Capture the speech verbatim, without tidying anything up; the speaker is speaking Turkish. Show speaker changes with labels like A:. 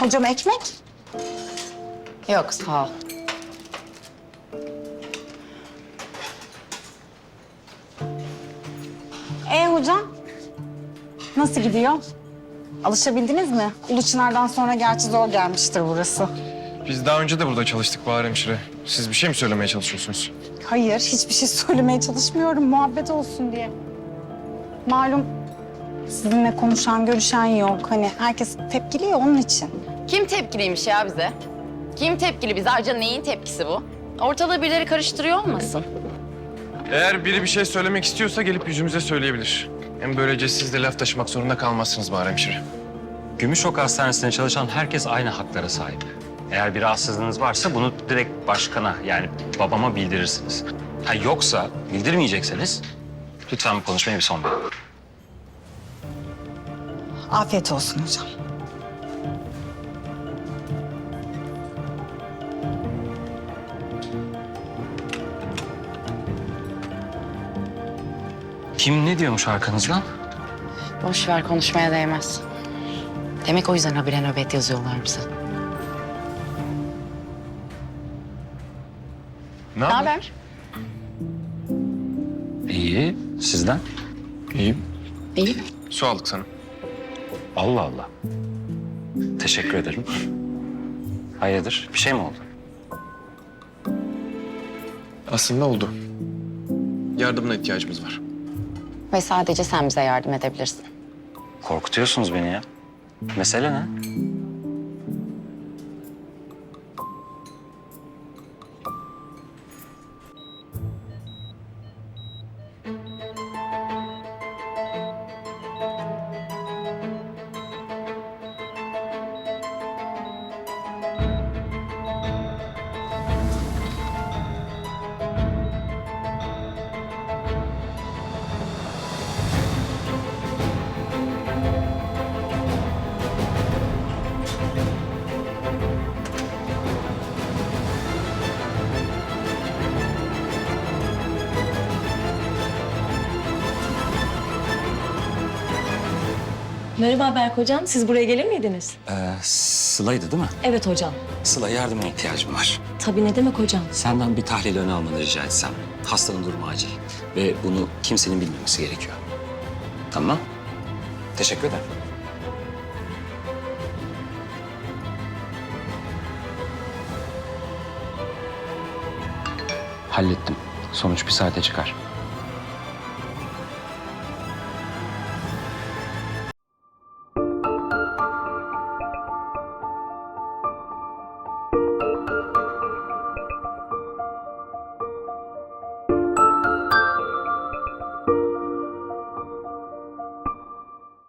A: Hocam ekmek?
B: Yok sağ ol.
A: Ee hocam? Nasıl gidiyor? Alışabildiniz mi? Uluçınar'dan sonra gerçi zor gelmiştir burası.
C: Biz daha önce de burada çalıştık Bahar Hemşire. Siz bir şey mi söylemeye çalışıyorsunuz?
A: Hayır, hiçbir şey söylemeye çalışmıyorum. Muhabbet olsun diye. Malum sizinle konuşan, görüşen yok. Hani herkes tepkili ya onun için.
B: Kim tepkiliymiş ya bize? Kim tepkili bize? Ayrıca neyin tepkisi bu? Ortalığı birileri karıştırıyor olmasın?
C: Eğer biri bir şey söylemek istiyorsa gelip yüzümüze söyleyebilir. Hem böylece siz de laf taşımak zorunda kalmazsınız Bahar Hemşire.
D: Gümüşok Hastanesi'nde çalışan herkes aynı haklara sahip. Eğer bir rahatsızlığınız varsa bunu direkt başkana yani babama bildirirsiniz. Ha yoksa bildirmeyecekseniz lütfen bu konuşmaya bir son verin.
A: Afiyet olsun hocam.
D: Kim ne diyormuş arkanızdan?
B: Boş ver konuşmaya değmez. Demek o yüzden habire nöbet yazıyorlar bize.
C: Ne
B: Ne
C: haber?
B: haber?
D: İyi, sizden?
C: İyiyim.
B: İyi.
C: Su aldık sana.
D: Allah Allah. Teşekkür ederim. Hayırdır, bir şey mi oldu?
C: Aslında oldu. Yardımına ihtiyacımız var.
B: Ve sadece sen bize yardım edebilirsin.
D: Korkutuyorsunuz beni ya. Mesele ne?
E: Merhaba Berk hocam, siz buraya gelir miydiniz?
D: Ee, Sıla'ydı değil mi?
E: Evet hocam.
D: Sıla yardımına ihtiyacım var.
E: Tabii ne demek hocam?
D: Senden bir tahlil öne almanı rica etsem. Hastanın durumu acil ve bunu kimsenin bilmemesi gerekiyor. Tamam. Teşekkür ederim. Hallettim. Sonuç bir saate çıkar.